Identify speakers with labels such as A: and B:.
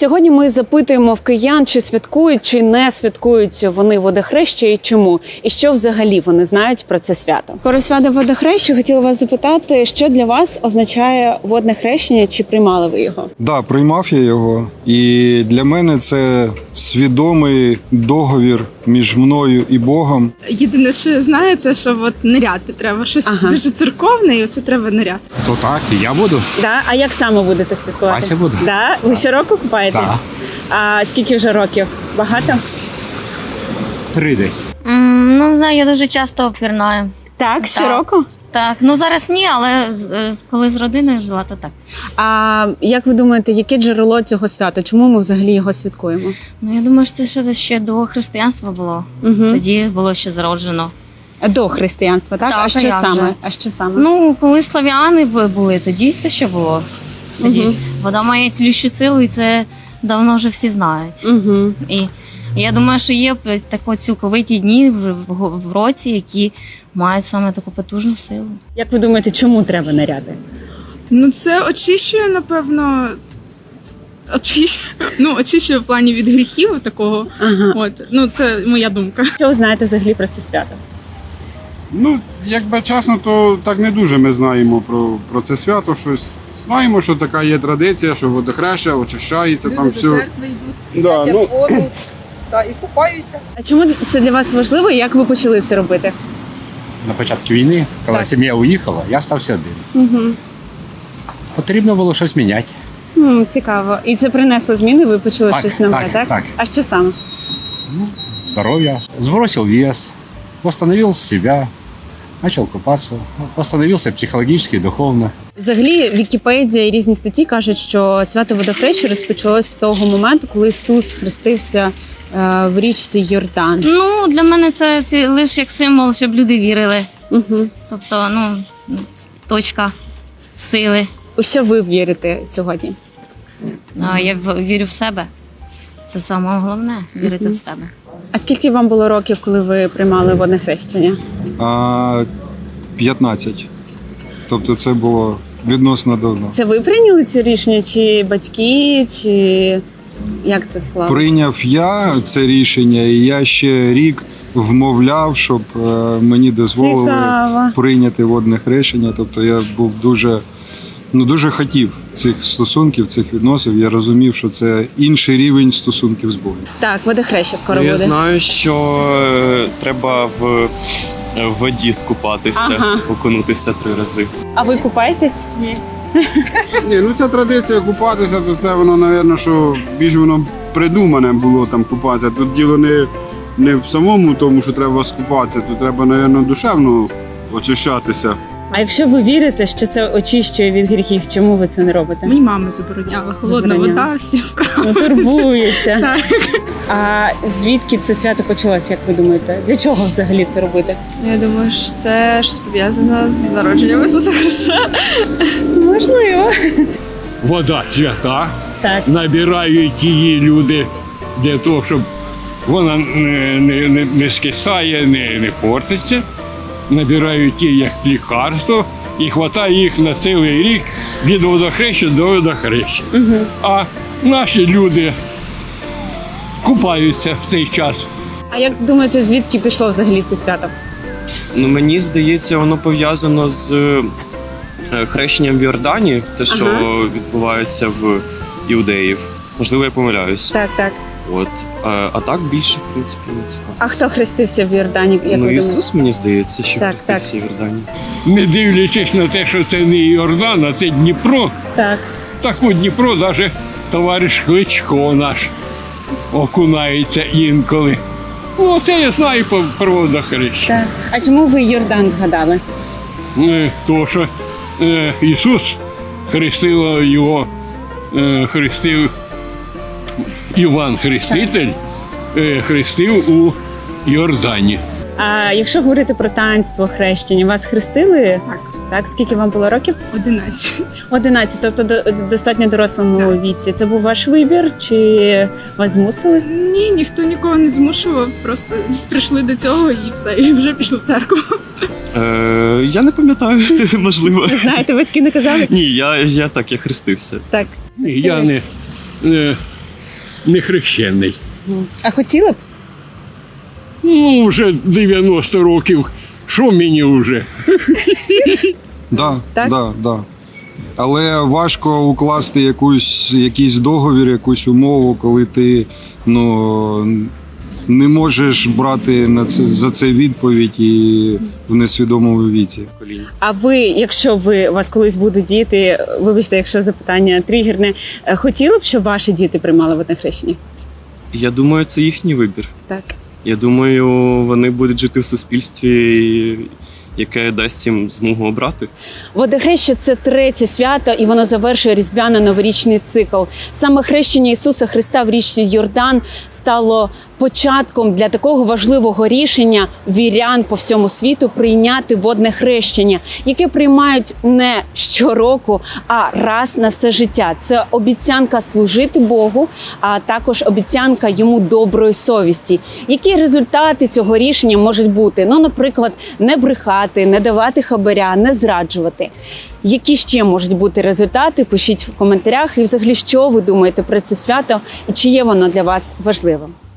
A: Сьогодні ми запитуємо в киян, чи святкують, чи не святкують вони водохреща і чому. І що взагалі вони знають про це свято. Про свято водохреща хотіла вас запитати, що для вас означає водне хрещення, чи приймали ви його?
B: Да, приймав я його. І для мене це свідомий договір між мною і Богом.
C: Єдине, що я знаю, це що от ниряти треба. Щось дуже церковне, і оце треба ниряти.
D: То так, і я буду.
A: Да? А як саме будете святкувати?
D: Вася буде.
A: Да? Ви щороку купаєтесь?
D: Да.
A: А скільки вже років? Багато?
D: 3 десь.
E: Ну, не знаю, я дуже часто пірнаю.
A: Так, щороку?
E: Так, ну зараз ні, але коли з родиною жила, то так.
A: А як ви думаєте, яке джерело цього свята? Чому ми взагалі його святкуємо?
E: Ну, я думаю, що це ще до християнства було.
A: Угу.
E: Тоді було ще зароджено.
A: До християнства, так?
E: Так,
A: а
E: а
A: що
E: як
A: саме?
E: же?
A: А що саме?
E: Ну, коли слав'яни були, тоді це ще було. Тоді вода має цілющу силу, і це давно вже всі знають.
A: Угу.
E: І я думаю, що є такі цілковиті дні в році, які мають саме таку потужну силу.
A: Як ви думаєте, чому треба ниряти?
C: Ну, це очищує, напевно. Очищує в плані від гріхів такого.
A: Ага.
C: От. Ну, це моя думка.
A: Що ви знаєте взагалі про це свято?
F: Ну, якби чесно, то так не дуже ми знаємо про це свято щось. Знаємо, що така є традиція, що водохреща очищається, там
G: Люди
F: все.
G: до церкви йдуть,
F: Да,
G: святять
F: ну.
G: воду і купаються.
A: А чому це для вас важливо і як ви почали це робити?
D: На початку війни, коли
A: Так.
D: сім'я уїхала, я стався один.
A: Угу.
D: Потрібно було щось міняти.
A: Цікаво. І це принесло зміни, ви почули
D: Так,
A: щось нове, так?
D: так.
A: А що саме?
D: Здоровья. Сбросил вес, восстановил себя, начал купаться, восстановился психологически и духовно.
A: Взагалі, Вікіпедія і різні статті кажуть, що свято водохреща розпочалось з того моменту, коли Ісус хрестився в річці Йордан.
E: Ну, для мене це лише як символ, щоб люди вірили.
A: Угу.
E: Тобто, точка сили.
A: У що ви вірите сьогодні?
E: Я вірю в себе. Це саме головне вірити в себе.
A: А скільки вам було років, коли ви приймали водне хрещення?
B: 15. Тобто це було відносно давно.
A: Це ви прийняли це рішення, чи батьки, чи як це склалося?
B: Прийняв я це рішення, і я ще рік вмовляв, щоб мені дозволили
A: Цікаво.
B: прийняти водне хрещення. Тобто я був дуже хотів цих стосунків, цих відносин. Я розумів, що це інший рівень стосунків з Богом.
A: Так, водохреща скоро
H: Ну, я
A: буде.
H: знаю, що треба в воді скупатися,
A: Ага.
H: окунутися 3 рази.
A: А ви купаєтесь?
G: Ні.
F: Ні, ну ця традиція купатися, то це воно, напевно, що більш воно придумане було там купатися. Тут діло не в самому тому, що треба скупатися, тут треба, напевно, душевно очищатися.
A: А якщо ви вірите, що це очищує від гріхів, чому ви це не робите?
C: Мені мама забороняла. Холодна
A: Забороняла.
C: вода, всі справи.
A: Ну, турбується.
C: Так.
A: А звідки це свято почалося, як ви думаєте? Для чого взагалі це робити?
I: Я думаю, що це щось пов'язане з народженням Ісуса Христа.
A: Можливо.
J: Вода свята,
A: Так.
J: набирають її люди для того, щоб вона не скисає, не портиться. Набирають її як лікарство і хватає їх на цілий рік від водохреща до водохреща. А наші люди купаються в цей час.
A: А як думаєте, звідки пішло взагалі це свято?
H: Ну, мені здається, воно пов'язано з хрещенням в Йордані, те, що відбувається в іудеїв. Можливо, я помиляюсь.
A: Так, так.
H: От. А так більше, в принципі, не цікаво.
A: А хто хрестився в Йордані, як ви
H: Ну,
A: думаєте?
H: Ісус, мені здається, що
A: Так,
H: хрестився в Йордані.
J: Не дивлячись на те, що це не Йордан, а це Дніпро.
A: Так.
J: Так у Дніпро навіть товариш Кличко наш окунається інколи. Ну, це я знаю про водохреща.
A: Так. А чому ви Йордан згадали?
J: Тому що Ісус хрестив його, хрестив Іван Хреститель, хрестив у Йордані.
A: А якщо говорити про таїнство хрещення, вас хрестили?
C: Так.
A: Так, скільки вам було років?
C: 11.
A: 11, тобто достатньо дорослому віці. Це був ваш вибір, чи вас змусили?
C: Ні, ніхто нікого не змушував, просто прийшли до цього і все, і вже пішли в церкву.
H: Я не пам'ятаю, можливо.
A: Ви знаєте, батьки не казали?
H: Ні, я хрестився.
A: Так.
J: Я не хрещений.
A: А хотіли б?
J: Ну, вже 90 років. Що мені вже?
B: Да,
A: Так?
B: да. Але важко укласти якийсь договір, якусь умову, коли ти не можеш брати за це відповідь і в несвідомому віці.
A: А ви, якщо у вас колись будуть діти, вибачте, якщо запитання тригерне, хотіли б, щоб ваші діти приймали водне хрещення?
H: Я думаю, це їхній вибір.
A: Так.
H: Я думаю, вони будуть жити в суспільстві, яке дасть їм змогу обрати.
A: Водохреща – це третє свято, і воно завершує різдвяно-новорічний цикл. Саме хрещення Ісуса Христа в річці Йордан стало початком для такого важливого рішення вірян по всьому світу прийняти водне хрещення, яке приймають не щороку, а раз на все життя. Це обіцянка служити Богу, а також обіцянка йому доброї совісті. Які результати цього рішення можуть бути? Ну, наприклад, не брехати, не давати хабаря, не зраджувати. Які ще можуть бути результати? Пишіть в коментарях. І взагалі, що ви думаєте про це свято і чи є воно для вас важливим?